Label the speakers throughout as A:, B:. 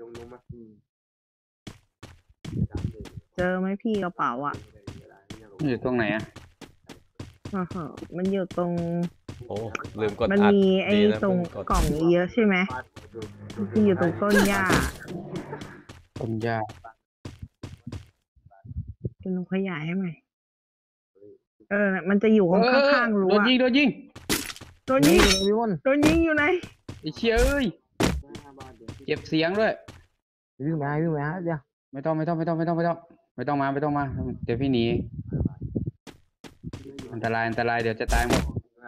A: เจอไหมพี่กระเป๋าอ่ะ
B: อยู่ตรงไหนอ่ะ
A: มันอยู่ตรง
C: โอ้ลืมกด
A: มัน
C: อัด
A: มีไอ้
C: ดีนะ
A: ตรง
C: เพิ่กด
A: กล่องเยอะใช่ไหมที่อยู่ตรงต้นหญ้า
B: ต้นหญ้า
A: เป็นลงขยายให้ไหมมันจะอยู่ข้างๆรั้ว
B: โดนยิง
A: โดนยิงโดนยิงอยู่ไหน
B: ไอ้เชี่ยเอ้ยเก็บเสียงด้วย
D: วิ่งไปเดี๋ยว
B: ไม่ต้องมาเดี๋ยวพี่หนีอันตรายเดี๋ยวจะตายหมด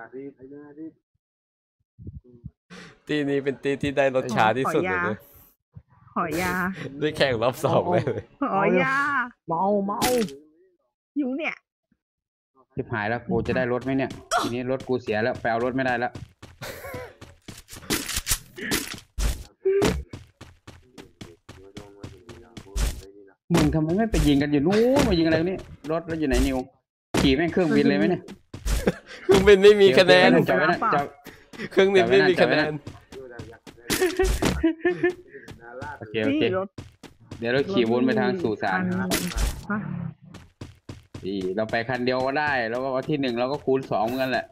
C: ตีนี้เป็นตีที่ได้รสชาที่สุดเลยนะ
A: ขอยา
C: ได้แข่งรอบ2เลย
A: ขอยา
D: เมา
A: อยู่เนี่ย
B: ชิบหายแล้วกูจะได้รถไหมเนี่ยทีนี้รถกูเสียแล้วไปเอารถไม่ได้แล้วมึงทำไมไม่ไปยิงกันอยู่นู้นมายิงอะไรนี่รถแล้วอยู่ไหนนิวขี่แม่งเครื่องบินเลยไหมเนี่ย
C: เครื่องบินไม่มีคะแนน
B: จอดไว้นะจอด
C: เครื่องบินไม่มีคะแนน
B: โอเคเดี๋ยวเราขี่วนไปทางสู่ศาลเราไปคันเดียวก็ได้แล้วก็ที่1เราก็คูณ2เหมือนกันแหละ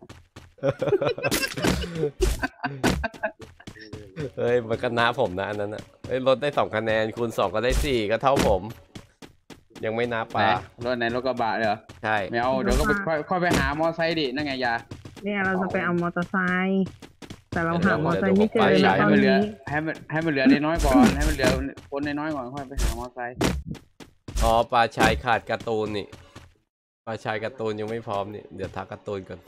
C: เฮ้ยมันก็น้าผมนะอันนั้นอ่ะเฮ้ยลดได้2คะแนนคูณ2ก็ได้4ก็เท่าผม ยังไม่นับป่ะ
B: รถไหนรถกระบะเหรอ
C: ใช่
B: ไม่เอาเดี๋ยวก็ไปค่อยไปหามอไซค์ดินั่นไงยา
A: เนี่ยเราจะไปเอามอเตอร์ไซค์แต่เราหามอเตอร์ไซค์ไม่เจอเลย
B: ให้
A: ตอน
B: มันเหลือ
A: นี้
B: ให้มันเหลือน้อยก่อนให้มันเหลือคนน้อยก่อนค่อยไปหามอไซค์
C: อ๋อปลาชายขาดการ์ตูนนี่ปลาชายการ์ตูนยังไม่พร้อมนี่เดี๋ยวทักการ์ตูนก่อน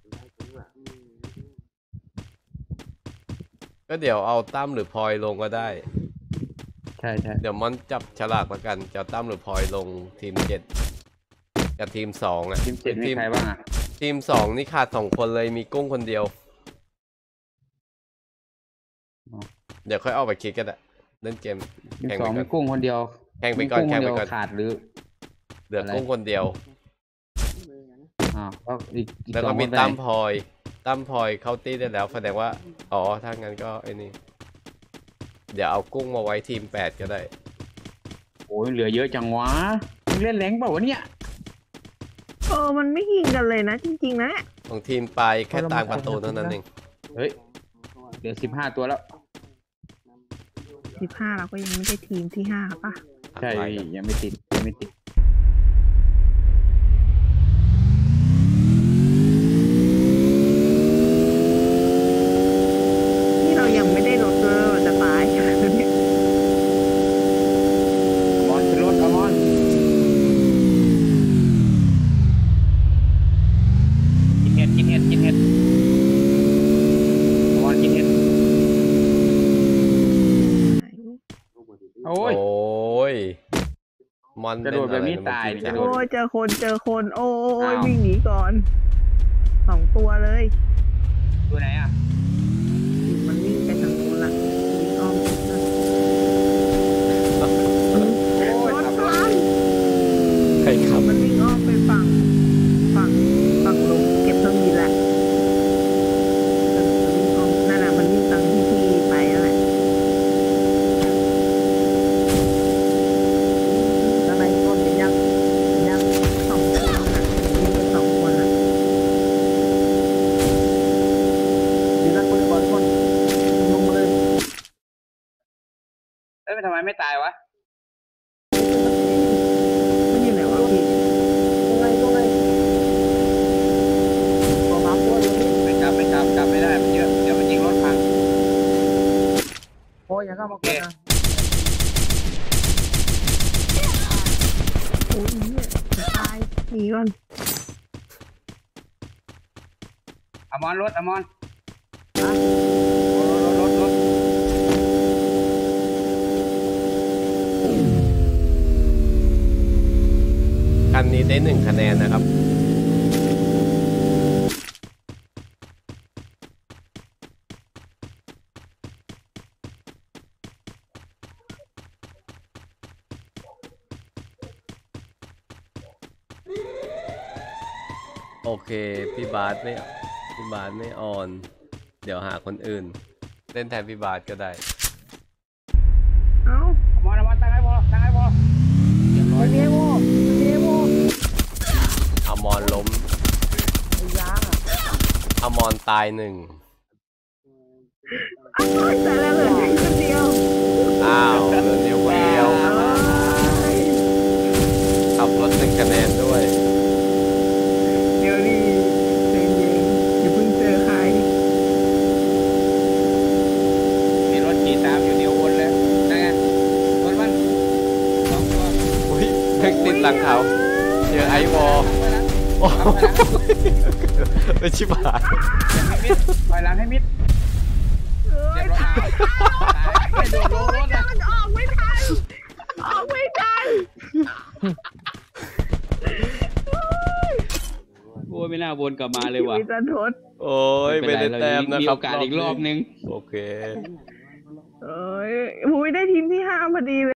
C: ก็เดี๋ยวเอาตั้มหรือพลอยลงก็ได้
B: ใช่
C: เดี๋ยวมอนจับฉลากแล้วกันจะตั้มหรือพลอยลงทีม7กับทีม2อ่ะ
B: ทีม7มีใครบ้างอ่ะ
C: ทีม2นี่ขาด2คนเลยมีกุ้งคนเดียวเดี๋ยวค่อยเอาไปคิดกันอะเล่นเกม
B: ทีม2มีกุ้งคนเดียว
C: แข่งไปก่อน
B: ขาดหรือ
C: เหลือกุ้งคนเดียว
B: ก็อีก
C: แล้วก็มีตั้มพลอยเข้าตีได้แล้วแสดงว่าอ๋อถ้างั้นก็ไอ้นี่เดี๋ยวเอากุ้งมาไว้ทีม8ก็ได้
B: โอ้ยเหลือเยอะจังวะมึงเล่นแรงเปล่าวะเนี่ย
A: มันไม่ยิงกันเลยนะจริงๆนะ
C: ของทีมปลายแค่ตามประตูเท่านั้นเอง
B: เฮ้ยเหลือ15ตัวแล้ว
A: 15เราก็ยังไม่ได้ทีมที่5ป่ะ
B: ใช่ยังไม่ติด
A: นี่เรายังไม่ได้รถเลยจะตายเนี่ย
B: มอนขึ้นรถมอนกินเห็ดมอนกินเห็ดโอ้ย
C: มอน
B: กระโดดแบบนี้ตาย
A: โอ้ยเจอคนโอ้ยวิ่งหนีก่อน2ตัวเลย
B: ตัวไหนอ่ะ
A: มันวิ่งไปทางนู้นละวิ่งอ้อมรถพัง
C: ใครขับ
A: มันวิ่งอ้อมไปฝั่งลงเก็บเครื่องบินแหละนั่นแหละมันวิ่งตามที่พี่ไปนั่นแหละ
D: แล้วในต้นเป็นยัง
A: 2 คนอ่ะวิ่งไป2 คนอ่ะ
D: ดีแล้วคนก่อนคนลงมาเลย
B: ทำไมไม่ตายวะ
A: มันอยู่ไหนวะพี่
D: ตรงไหนตัวมาตัวเดียว
B: ไม่กลับไม่ได้มันเยอะเดี๋ยวมันยิงรถพัง
D: โอ้ยยังเข้ามาก่อนนะ
A: โอ้ยเนี่ยจะตายหนีก่อน
B: อมอนรถ
C: คันนี้ได้1คะแนนนะครับโอเคพี่บาสไม่ออนเดี๋ยวหาคนอื่นเล่นแทนพี่บาสก็ได้
A: เอ้า
C: ตายหนึ่ง
A: แต่แล้วเหลือแค่คนเดียว
C: อ้าวเหลือนิวคนเดียวขับรถ1 คะแนนด้วย
A: เดี๋ยวดิใจเย็นอย่าเพิ่งเจอใคร
B: มีรถขี่ตามอยู่นิววนเลยนั่นไงรถมัน2 ตัว
C: อุ้ยเพิ่งติดหลังเขาเจอไอวอลโอ้โหไม่ชิบหาย
B: ปล่อยหลังให้มิด
A: เอ้ย
B: ไม่โดนลงรถนะ
A: มันออกไม่ทันออกไม่ทัน
B: โอ้ยไม่น่าวนกลับมาเลยว่ะ
A: มีจันทด
C: โอ้ยไม่ได้แต้มนะ
B: มี
C: ครั
B: โอบ กาสอีกรอบนึง
C: โอเค
A: เอ้ยมุ้ยได้ทีมที่ 5พอดีเลย